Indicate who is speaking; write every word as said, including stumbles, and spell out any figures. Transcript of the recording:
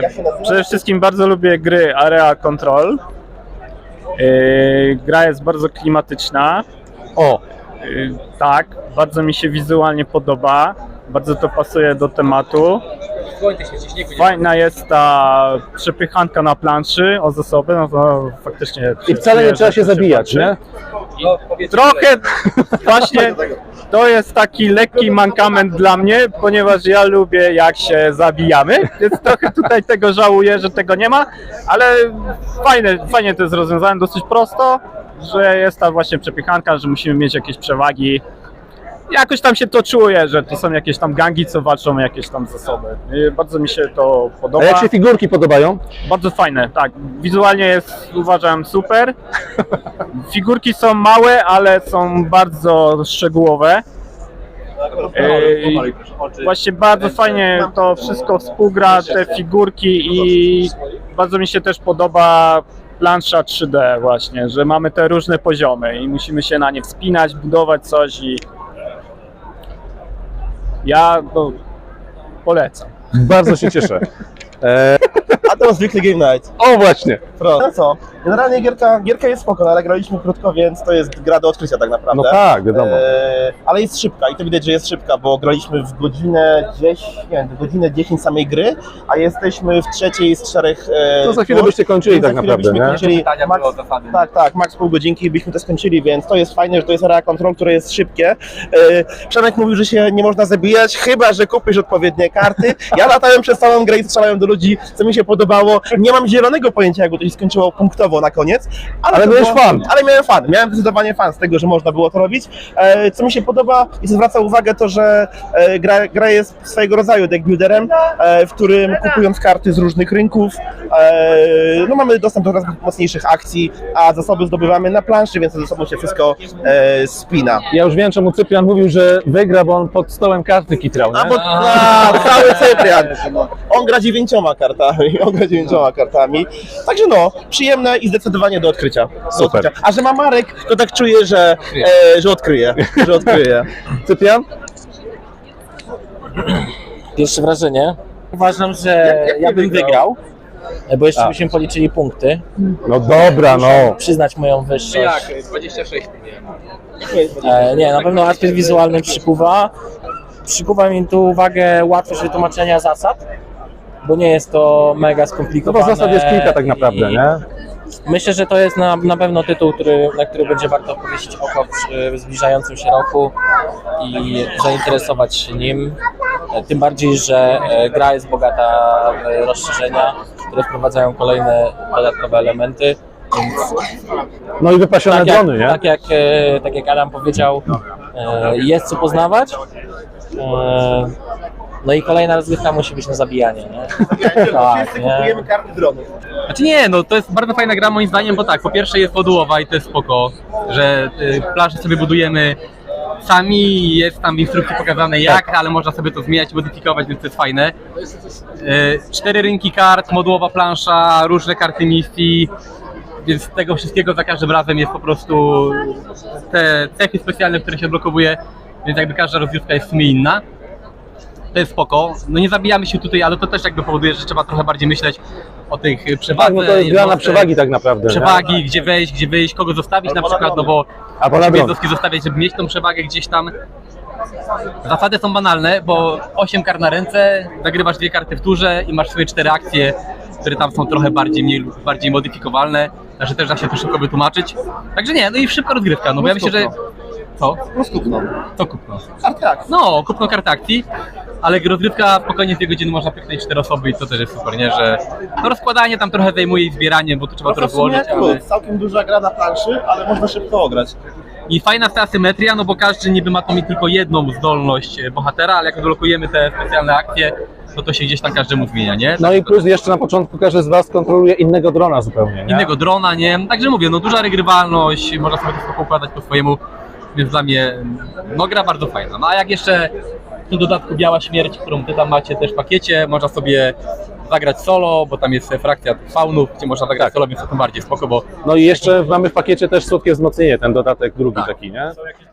Speaker 1: Przede wszystkim bardzo lubię gry Area Control. Yy, gra jest bardzo klimatyczna.
Speaker 2: O!
Speaker 1: Yy, tak, bardzo mi się wizualnie podoba. Bardzo to pasuje do tematu. Fajna jest ta przepychanka na planszy o zasoby, no to faktycznie...
Speaker 2: I wcale nie trzeba się zabijać, nie?
Speaker 1: Trochę właśnie to jest taki lekki mankament dla mnie, ponieważ ja lubię jak się zabijamy, więc trochę tutaj tego żałuję, że tego nie ma, ale fajne, fajnie to jest rozwiązane, dosyć prosto, że jest ta właśnie przepychanka, że musimy mieć jakieś przewagi. Jakoś tam się to czuję, że to są jakieś tam gangi, co walczą o jakieś tam zasoby. I bardzo mi się to podoba.
Speaker 2: A jak się figurki podobają?
Speaker 1: Bardzo fajne, tak. Wizualnie jest, uważam, super. Figurki są małe, ale są bardzo szczegółowe. Ej, właśnie bardzo fajnie to wszystko współgra, te figurki i bardzo mi się też podoba plansza trzy D właśnie, że mamy te różne poziomy i musimy się na nie wspinać, budować coś i ja no, polecam.
Speaker 2: Bardzo się cieszę. E...
Speaker 3: A to zwykły Game Night.
Speaker 2: O właśnie!
Speaker 3: Prosto. No co? Generalnie gierka, gierka jest spoko, no ale graliśmy krótko, więc to jest gra do odkrycia tak naprawdę.
Speaker 2: No tak, wiadomo.
Speaker 3: E, ale jest szybka i to widać, że jest szybka, bo graliśmy w godzinę dziesięć, nie wiem, w godzinę dziesięć samej gry, a jesteśmy w trzeciej z czterech. E,
Speaker 2: To za chwilę byście kończyli tak naprawdę, nie?
Speaker 3: Kończyli, max, tak, tak, max pół godzinki i byśmy to skończyli, więc to jest fajne, że to jest area control, które jest szybkie. E, Przemek mówił, że się nie można zabijać, chyba że kupisz odpowiednie karty. Ja latałem przez całą grę i strzelałem do ludzi, co mi się podobało. Nie mam zielonego pojęcia, jak to się skończyło punktowo na koniec. Ale,
Speaker 2: ale miałeś
Speaker 3: było,
Speaker 2: fan.
Speaker 3: Ale miałem fan. Miałem zdecydowanie fan z tego, że można było to robić. E, co mi się podoba i zwraca uwagę to, że e, gra, gra jest swojego rodzaju deck builderem, e, w którym kupując karty z różnych rynków, e, no mamy dostęp do coraz mocniejszych akcji, a zasoby zdobywamy na planszy, więc ze sobą się wszystko e, spina.
Speaker 2: Ja już wiem, czemu Cyprian mówił, że wygra, bo on pod stołem karty kitrał, nie?
Speaker 3: A bo a, cały Cyprian. On gra dziewięcioma kartami, on gra dziewięcioma kartami. Także no, przyjemne i zdecydowanie do odkrycia. Do
Speaker 2: Super.
Speaker 3: odkrycia. A że ma Marek, to tak czuję, że, e, że odkryje, że odkryje.
Speaker 2: Cyprian?
Speaker 4: Pierwsze wrażenie. Uważam, że
Speaker 3: Jak- jak
Speaker 4: ja
Speaker 3: nie
Speaker 4: bym
Speaker 3: wygrał?
Speaker 4: wygrał, bo jeszcze
Speaker 2: A.
Speaker 4: byśmy policzyli punkty.
Speaker 2: No dobra, no.
Speaker 4: Przyznać moją wyższość.
Speaker 5: Jak? dwadzieścia sześć nie.
Speaker 4: E, nie, na pewno aspekt wizualny przykuwa. Przykuwa mi tu uwagę łatwość wytłumaczenia zasad, bo nie jest to mega
Speaker 2: No
Speaker 4: skomplikowane.
Speaker 2: bo zasad jest kilka tak naprawdę,
Speaker 4: i
Speaker 2: nie?
Speaker 4: Myślę, że to jest na, na pewno tytuł, który, na który będzie warto powiesić oko przy zbliżającym się roku i zainteresować się nim. E, Tym bardziej, że e, gra jest bogata w rozszerzenia, które wprowadzają kolejne dodatkowe elementy. Więc
Speaker 2: No i wypasione
Speaker 4: tak jak,
Speaker 2: drony, nie?
Speaker 4: tak, jak, e, tak jak Adam powiedział, e, jest co poznawać. E, No i kolejna rozgrywka musi być na zabijanie, nie? Tak, nie?
Speaker 3: Kupujemy karty dronów.
Speaker 5: Znaczy nie, no to jest bardzo fajna gra moim zdaniem, bo tak, po pierwsze jest modułowa i to jest spoko, że y, planszę sobie budujemy sami, jest tam w instrukcji pokazane jak, ale można sobie to zmieniać, modyfikować, więc to jest fajne. Y, cztery rynki kart, modułowa plansza, różne karty misji, więc tego wszystkiego za każdym razem jest po prostu te cechy specjalne, które się odblokowuje, więc jakby każda rozgrywka jest w sumie inna. To jest spoko. No nie zabijamy się tutaj, ale to też jakby powoduje, że trzeba trochę bardziej myśleć o tych przewadze.
Speaker 2: Tak, no to jest gra na
Speaker 5: jednostek,
Speaker 2: przewagi tak naprawdę, nie?
Speaker 5: Przewagi, gdzie wejść, gdzie wyjść, kogo zostawić na przykład, no bo
Speaker 2: Albo na
Speaker 5: żeby
Speaker 2: dron.
Speaker 5: jednostki zostawiać, żeby mieć tą przewagę gdzieś tam. Zasady są banalne, bo osiem kart na ręce, zagrywasz dwie karty w turze i masz swoje cztery akcje, które tam są trochę bardziej, mniej lub bardziej modyfikowalne, także też da się to szybko wytłumaczyć. Także nie, no i szybka rozgrywka, no bo ja myślę, że... Co?
Speaker 3: Rozkupną.
Speaker 5: Co kupno?
Speaker 3: Karty akcji.
Speaker 5: No, kupno kart akcji, ale rozgrywka spokojnie z dwie godziny można pyknąć cztery osoby i to też jest super, nie? Że no rozkładanie tam trochę zajmuje i zbieranie, bo tu trzeba to
Speaker 3: No to w sumie
Speaker 5: rozłożyć,
Speaker 3: jak
Speaker 5: ale...
Speaker 3: plus, całkiem duża gra na planszy, ale można szybko ograć.
Speaker 5: I fajna ta asymetria, no bo każdy niby ma to mieć tylko jedną zdolność bohatera, ale jak odblokujemy te specjalne akcje, to to się gdzieś tam każdemu zmienia, nie?
Speaker 2: No i plus jeszcze na początku każdy z was kontroluje innego drona zupełnie, nie?
Speaker 5: Innego drona, nie? Także mówię, no duża regrywalność, można sobie to wszystko układać po swojemu, więc dla mnie, no gra bardzo fajna. No a jak jeszcze w dodatku Biała Śmierć, którą ty tam macie też w pakiecie, można sobie zagrać solo, bo tam jest frakcja faunów, gdzie można zagrać
Speaker 2: Tak.
Speaker 5: solo, więc to tym bardziej spoko, bo
Speaker 2: No i jeszcze mamy w pakiecie też słodkie wzmocnienie, ten dodatek drugi
Speaker 5: Tak.
Speaker 2: taki, nie?